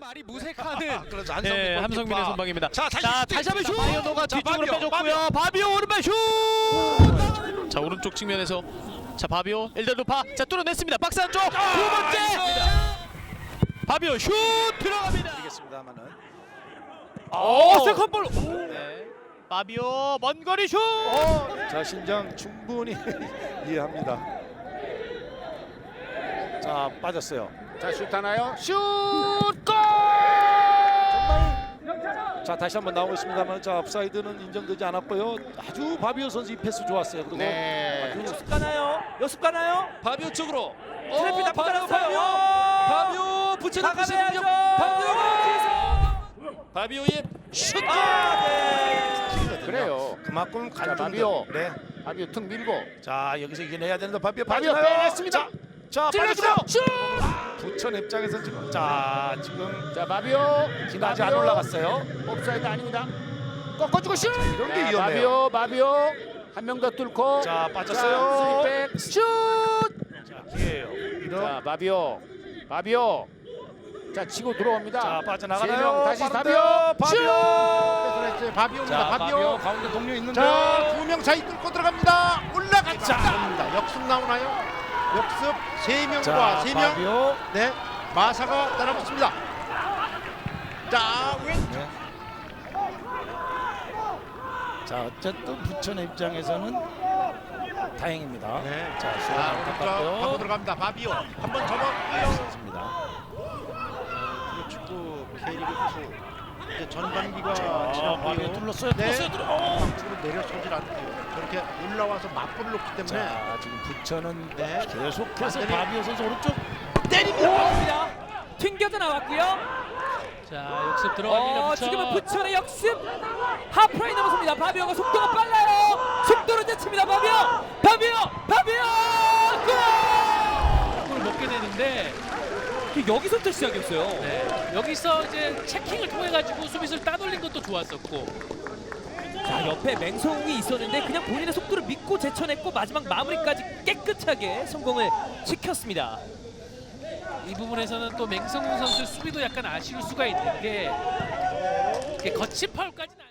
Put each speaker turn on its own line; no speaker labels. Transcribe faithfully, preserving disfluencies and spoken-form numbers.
말이 무색하는
그렇죠.
네,
한성민
함성민의
골키퍼.
선방입니다.
자, 다시
자,
슈팅
다시 한번 슛!
있습니다.
바이오노가
자,
뒤쪽으로
바비오,
빼줬고요. 바비오 오른발 슛! 자, 오른쪽 측면에서 자, 바비오 엘델루파 자, 뚫어냈습니다. 박스 안쪽 두 번째 바비오 슛 들어갑니다.
알겠습니다만은.
오, 세컨볼. 네. 바비오 먼 거리 슛!
자, 신장 충분히 이해합니다. 자, 빠졌어요.
자, 슛 하나요? 슛! 골!
자, 다시 한번 나오고 있습니다만, 자, 업사이드는 인정되지 않았고요. 아주 바비오 선수 이 패스 좋았어요. 그리고
네.
역습 가나요? 역습 가나요?
바비오 쪽으로.
트래피 나쁘지
바비오,
않았어요.
바비오 붙여놓고
나가야죠.
바비오. 바비오의 슛.
아, 네.
그래요.
그만큼
자,
간중.
바비오.
네.
바비오 툭 밀고.
자, 여기서 이겨내야 되는데 바비오
바비오
빠지나요?
빼냈습니다.
자, 자,
찔러주고
빠졌어요.
슛!
부천 입장에서 지금 자, 지금
자, 바비오.
지금 아직 안
바비오.
올라갔어요.
옵사이드 아닙니다. 꺾어주고 슛!
이런 게
자,
위험해요.
바비오, 바비오. 한 명 더 뚫고.
자, 빠졌어요.
쓰리백 슛!
자, 기회예요. 이런.
자, 바비오. 바비오. 자, 치고 들어옵니다.
자, 빠져나가나요?
세 명 다시
빠른데요.
바비오.
바비오.
슛! 바비오입니다.
자,
바비오.
바비오 가운데 동료 있는데.
자, 두 명 사이 뚫고 들어갑니다. 올라갔습니다. 역습 나오나요? 역습 세 명과
자,
세 명.
바비오.
네, 마사가 따라붙습니다. 자, 왼.
네. 자, 어쨌든 부천 입장에서는 다행입니다.
네.
자,
자,
시간
오른쪽 하고
안타깝고요.
들어갑니다. 바비오. 한번 접어.
선수입니다.
프로축구 K리그 투 이제 전반기가
자,
지났고요.
바비오 뚫렸어요.
네.
뚫렸어요. 뚫- 어.
방쪽으로 내려서질 않고요. 저렇게 올라와서 맞불을 놓기 때문에
자, 지금 부천은
네.
계속해서
완전히-
바비오 선수 오른쪽
때립니다. 튕겨져 나왔고요.
자, 역습 들어갑니다.
어,
부천.
지금은 부천의 역습 하프라인 넘어섭니다. 바비오가 속도가 빨라요. 속도로 제칩니다. 바비오, 바비오, 바비오
골을 먹게 되는데
골! 여기서부터 시작이었어요.
네. 여기서 이제 체킹을 통해 가지고 수비수를 따돌린 것도 좋았었고.
자, 옆에 맹성웅이 있었는데 그냥 본인의 속도를 믿고 제쳐냈고 마지막 마무리까지 깨끗하게 성공을 시켰습니다.
이 부분에서는 또 맹성훈 선수 수비도 약간 아쉬울 수가 있는 게 이게 거친 파울까지는.